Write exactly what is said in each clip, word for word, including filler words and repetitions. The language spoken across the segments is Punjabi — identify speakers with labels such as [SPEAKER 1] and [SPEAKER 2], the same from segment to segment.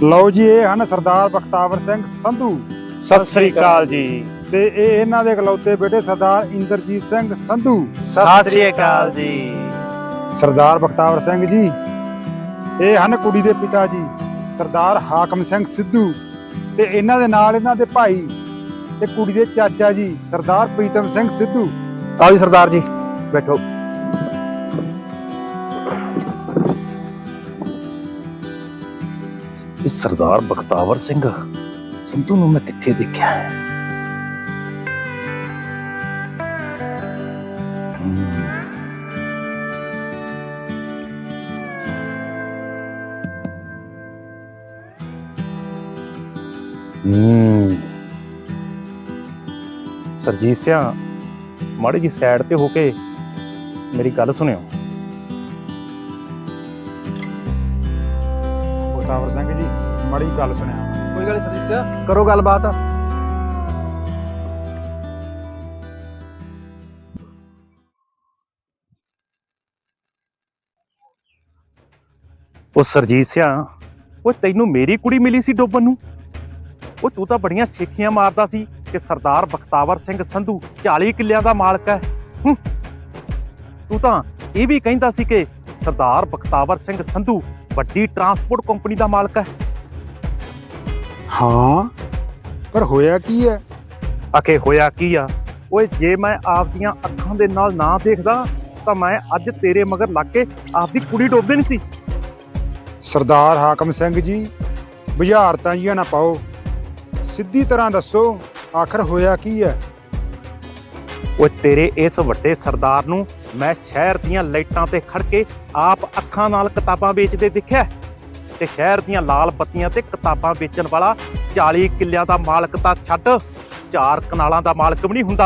[SPEAKER 1] ਲਓ ਜੀ, ਇਹ ਹਨ ਸਰਦਾਰ ਬਖਤਾਵਰ ਸਿੰਘ ਸੰਧੂ।
[SPEAKER 2] ਸਤਿ ਸ੍ਰੀ ਅਕਾਲ ਜੀ।
[SPEAKER 1] ਤੇ ਇਹ ਇਹਨਾਂ ਦੇ ਇਕਲੌਤੇ ਬੇਟੇ ਸਰਦਾਰ ਇੰਦਰਜੀਤ ਸਿੰਘ ਸੰਧੂ।
[SPEAKER 2] ਸਤਿ ਸ੍ਰੀ ਅਕਾਲ ਜੀ।
[SPEAKER 1] ਸਰਦਾਰ ਬਖਤਾਵਰ ਸਿੰਘ ਜੀ, ਇਹ ਹਨ ਕੁੜੀ ਦੇ ਪਿਤਾ ਜੀ ਸਰਦਾਰ ਹਾਕਮ ਸਿੰਘ ਸਿੱਧੂ, ਤੇ ਇਹਨਾਂ ਦੇ ਨਾਲ ਇਹਨਾਂ ਦੇ ਭਾਈ ਤੇ ਕੁੜੀ ਦੇ ਚਾਚਾ ਜੀ ਸਰਦਾਰ ਪ੍ਰੀਤਮ ਸਿੰਘ ਸਿੱਧੂ।
[SPEAKER 2] ਆਓ ਜੀ ਸਰਦਾਰ ਜੀ, ਬੈਠੋ।
[SPEAKER 3] ਇਸ ਸਰਦਾਰ ਬਖਤਾਵਰ ਸਿੰਘ ਸੰਧੂ ਨੂੰ ਮੈਂ ਕਿੱਥੇ ਦੇਖਿਆ ਹੈ?
[SPEAKER 2] ਹੂੰ ਸਰਜੀਤ ਸਿਆ, ਮਾੜੀ ਜੀ ਸਾਈਡ ਤੇ ਹੋ ਕੇ ਮੇਰੀ ਗੱਲ ਸੁਣਿਓ।
[SPEAKER 1] ਬਖਤਾਵਰ ਸਿੰਘ ਜੀ, ਮਾੜੀ ਗੱਲ ਸੁਣਿਆ।
[SPEAKER 4] ਕੋਈ ਗੱਲ ਨਹੀਂ ਸਰਜੀਤ ਸਿਆ, ਕਰੋ ਗੱਲਬਾਤ।
[SPEAKER 2] ਉਹ ਸਰਜੀਤ ਸਿਆ, ਉਹ ਤੈਨੂੰ ਮੇਰੀ ਕੁੜੀ ਮਿਲੀ ਸੀ ਡੋਬਣ ਨੂੰ? ਉਹ ਤੂੰ ਤਾਂ ਬੜੀਆਂ ਛੇਖੀਆਂ ਮਾਰਦਾ ਸੀ ਕਿ ਸਰਦਾਰ ਬਖਤਾਵਰ ਸਿੰਘ ਸੰਧੂ ਚਾਲੀ ਕਿੱਲਿਆਂ ਦਾ ਮਾਲਕ ਹੈ। ਹੂੰ, ਤੂੰ ਤਾਂ ਇਹ ਵੀ ਕਹਿੰਦਾ ਸੀ ਕਿ ਸਰਦਾਰ ਬਖਤਾਵਰ ਸਿੰਘ ਸੰਧੂ ਵੱਡੀ ਟਰਾਂਸਪੋਰਟ ਕੰਪਨੀ ਦਾ ਮਾਲਕ ਹੈ।
[SPEAKER 1] ਹਾਂ, ਪਰ ਹੋਇਆ ਕੀ ਹੈ?
[SPEAKER 2] ਆਖੇ ਹੋਇਆ ਕੀ ਆ? ਓਏ, ਜੇ ਮੈਂ ਆਪਦੀਆਂ ਅੱਖਾਂ ਦੇ ਨਾਲ ਨਾ ਦੇਖਦਾ ਤਾਂ ਮੈਂ ਅੱਜ ਤੇਰੇ ਮਗਰ ਲੱਗ ਕੇ ਆਪਦੀ ਕੁੜੀ ਡੋਬਦੇ ਨਹੀਂ ਸੀ।
[SPEAKER 1] ਸਰਦਾਰ ਹਾਕਮ ਸਿੰਘ ਜੀ, ਬੁਝਾਰਤਾਂ ਜੀਆਂ ਨਾ ਪਾਓ, ਸਿੱਧੀ ਤਰ੍ਹਾਂ ਦੱਸੋ ਆਖਰ ਹੋਇਆ ਕੀ ਹੈ?
[SPEAKER 2] ਉਹ ਤੇਰੇ ਇਸ ਵੱਡੇ ਸਰਦਾਰ ਨੂੰ ਮੈਂ ਸ਼ਹਿਰ ਦੀਆਂ ਲਾਈਟਾਂ ਤੇ ਖੜ ਕੇ ਆਪ ਅੱਖਾਂ ਨਾਲ ਕਿਤਾਬਾਂ ਵੇਚਦੇ ਦੇਖਿਆ, ਤੇ ਸ਼ਹਿਰ ਦੀਆਂ ਲਾਲ ਬੱਤੀਆਂ ਤੇ ਕਿਤਾਬਾਂ ਵੇਚਣ ਵਾਲਾ ਚਾਲੀ ਕਿੱਲਿਆਂ ਦਾ ਮਾਲਕ ਤਾਂ ਛੱਡ, ਚਾਰ ਕਨਾਲਾਂ ਦਾ ਮਾਲਕ ਵੀ ਨਹੀਂ ਹੁੰਦਾ।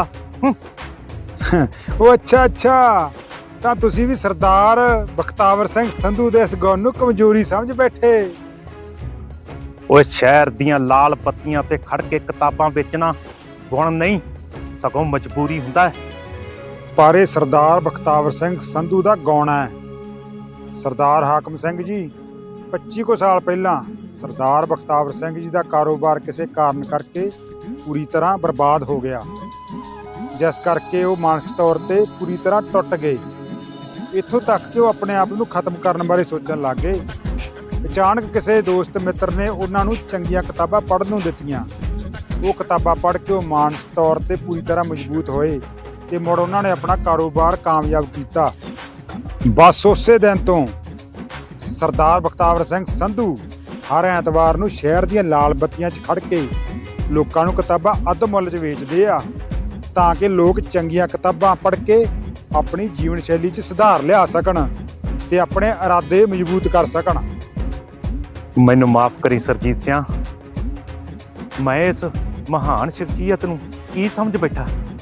[SPEAKER 1] ਉਹ ਅੱਛਾ ਅੱਛਾ, ਤਾਂ ਤੁਸੀਂ ਵੀ ਸਰਦਾਰ ਬਖਤਾਵਰ ਸਿੰਘ ਸੰਧੂ ਦੇ ਇਸ ਗੁਣ ਨੂੰ ਕਮਜ਼ੋਰੀ ਸਮਝ ਬੈਠੇ।
[SPEAKER 2] ਉਹ ਸ਼ਹਿਰ ਦੀਆਂ ਲਾਲ ਬੱਤੀਆਂ ਤੇ ਖੜ ਕੇ ਕਿਤਾਬਾਂ ਵੇਚਣਾ ਗੁਣ ਨਹੀਂ, ਸਗੋਂ ਮਜਬੂਰੀ ਹੁੰਦਾ ਹੈ।
[SPEAKER 1] ਪਰ ਇਹ ਸਰਦਾਰ ਬਖਤਾਵਰ ਸਿੰਘ ਸੰਧੂ ਦਾ ਗੁਣ ਹੈ। ਸਰਦਾਰ ਹਾਕਮ ਸਿੰਘ ਜੀ, ਪੱਚੀ ਕੁ ਸਾਲ ਪਹਿਲਾਂ ਸਰਦਾਰ ਬਖਤਾਵਰ ਸਿੰਘ ਜੀ ਦਾ ਕਾਰੋਬਾਰ ਕਿਸੇ ਕਾਰਨ ਕਰਕੇ ਪੂਰੀ ਤਰ੍ਹਾਂ ਬਰਬਾਦ ਹੋ ਗਿਆ, ਜਿਸ ਕਰਕੇ ਉਹ ਮਾਨਸਿਕ ਤੌਰ ਤੇ ਪੂਰੀ ਤਰ੍ਹਾਂ ਟੁੱਟ ਗਏ। ਇੱਥੋਂ ਤੱਕ ਕਿ ਉਹ ਆਪਣੇ ਆਪ ਨੂੰ ਖਤਮ ਕਰਨ ਬਾਰੇ ਸੋਚਣ ਲੱਗ ਗਏ। ਅਚਾਨਕ ਕਿਸੇ ਦੋਸਤ ਮਿੱਤਰ ਨੇ ਉਹਨਾਂ ਨੂੰ ਚੰਗੀਆਂ ਕਿਤਾਬਾਂ ਪੜ੍ਹਨ ਨੂੰ ਦਿੱਤੀਆਂ। ਉਹ ਕਿਤਾਬਾਂ ਪੜ੍ਹ ਕੇ ਉਹ ਮਾਨਸਿਕ ਤੌਰ ਤੇ ਪੂਰੀ ਤਰ੍ਹਾਂ ਮਜ਼ਬੂਤ ਹੋਏ ਤੇ ਮੁੜ ਉਹਨਾਂ ਨੇ ਆਪਣਾ ਕਾਰੋਬਾਰ ਕਾਮਯਾਬ ਕੀਤਾ। ਬਸ ਉਸੇ ਦਿਨ ਤੋਂ ਸਰਦਾਰ ਬਖਤਾਵਰ ਸਿੰਘ ਸੰਧੂ ਹਰ ਐਤਵਾਰ ਨੂੰ ਸ਼ਹਿਰ ਦੀਆਂ ਲਾਲ ਬੱਤੀਆਂ 'ਚ ਖੜ ਕੇ ਲੋਕਾਂ ਨੂੰ ਕਿਤਾਬਾਂ ਅੱਧ ਮੁੱਲ 'ਚ ਵੇਚਦੇ ਆ, ਤਾਂ ਕਿ ਲੋਕ ਚੰਗੀਆਂ ਕਿਤਾਬਾਂ ਪੜ੍ਹ ਕੇ ਆਪਣੀ ਜੀਵਨ ਸ਼ੈਲੀ 'ਚ ਸੁਧਾਰ ਲਿਆ ਸਕਣ ਤੇ ਆਪਣੇ ਇਰਾਦੇ ਮਜ਼ਬੂਤ ਕਰ ਸਕਣ।
[SPEAKER 2] ਮੈਨੂੰ ਮਾਫ ਕਰੀ ਸਰਜੀਤ ਸਿਆ, ਮੈਂ ਇਸ ਮਹਾਨ ਸ਼ਖਸੀਅਤ ਨੂੰ ਕੀ ਸਮਝ ਬੈਠਾ।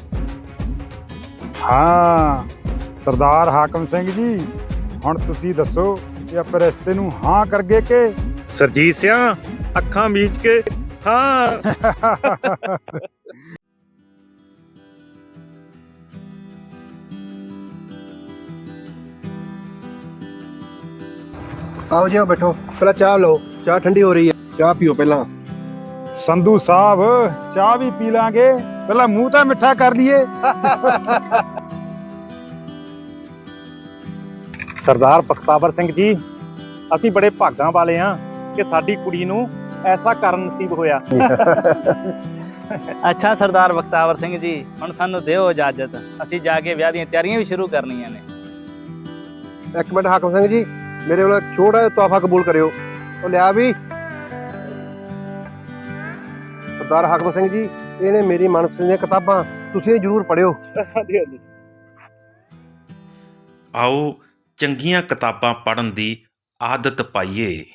[SPEAKER 1] ਹਾਂ ਸਰਦਾਰ ਹਾਕਮ ਸਿੰਘ ਜੀ, ਹੁਣ ਤੁਸੀਂ ਦੱਸੋ ਕਿ ਆਪਾਂ ਰਿਸ਼ਤੇ ਨੂੰ ਹਾਂ ਕਰਗੇ ਕਿ?
[SPEAKER 2] ਸਰਜੀਤ ਸਿਆ, ਅੱਖਾਂ ਮੀਚ ਕੇ ਹਾਂ।
[SPEAKER 4] ਆਓ ਜੀ, ਆਓ ਬੈਠੋ। ਪਹਿਲਾਂ ਚਾਹ ਲਓ, ਚਾਹ ਠੰਡੀ ਹੋ ਰਹੀ ਹੈ, ਚਾਹ ਪੀਓ ਪਹਿਲਾਂ।
[SPEAKER 1] ਸੰਧੂ ਸਾਹਿਬ, ਚਾਹ ਵੀ ਪੀ ਲਾਂਗੇ, ਪਹਿਲਾਂ ਮੂੰਹ ਤਾਂ ਮਿੱਠਾ ਕਰ ਲਈਏ।
[SPEAKER 2] ਸਰਦਾਰ ਬਖਤਾਵਰ ਸਿੰਘ ਜੀ, ਅਸੀਂ ਬੜੇ ਭਾਗਾਂ ਵਾਲੇ ਹਾਂ ਕਿ ਸਾਡੀ ਕੁੜੀ ਨੂੰ ਐਸਾ ਕਰਨ ਨਸੀਬ ਹੋਇਆ।
[SPEAKER 5] ਅੱਛਾ ਸਰਦਾਰ ਬਖਤਾਵਰ ਸਿੰਘ ਜੀ, ਹੁਣ ਸਾਨੂੰ ਦਿਓ ਇਜਾਜ਼ਤ, ਅਸੀਂ ਜਾ ਕੇ ਵਿਆਹ ਦੀਆਂ ਤਿਆਰੀਆਂ ਵੀ ਸ਼ੁਰੂ ਕਰਨੀਆਂ ਨੇ।
[SPEAKER 4] ਇੱਕ ਮਿੰਟ ਹਾਕਮ ਸਿੰਘ ਜੀ, ਮੇਰੇ ਵੱਲੋਂ ਇੱਕ ਛੋਟਾ ਜਿਹਾ ਤੋਹਫਾ ਕਬੂਲ ਕਰਿਓ। ਉਹ ਲਿਆ ਵੀ। ਸਰਦਾਰ ਹਾਕਮ ਸਿੰਘ ਜੀ, ਇਹ ਨੇ ਮੇਰੀ ਮਨਪਸੰਦ ਦੀਆਂ ਕਿਤਾਬਾਂ, ਤੁਸੀਂ ਜ਼ਰੂਰ ਪੜ੍ਹਿਓ।
[SPEAKER 2] ਹਾਂਜੀ ਹਾਂਜੀ।
[SPEAKER 6] ਆਓ ਚੰਗੀਆਂ ਕਿਤਾਬਾਂ ਪੜ੍ਹਨ ਦੀ ਆਦਤ ਪਾਈਏ।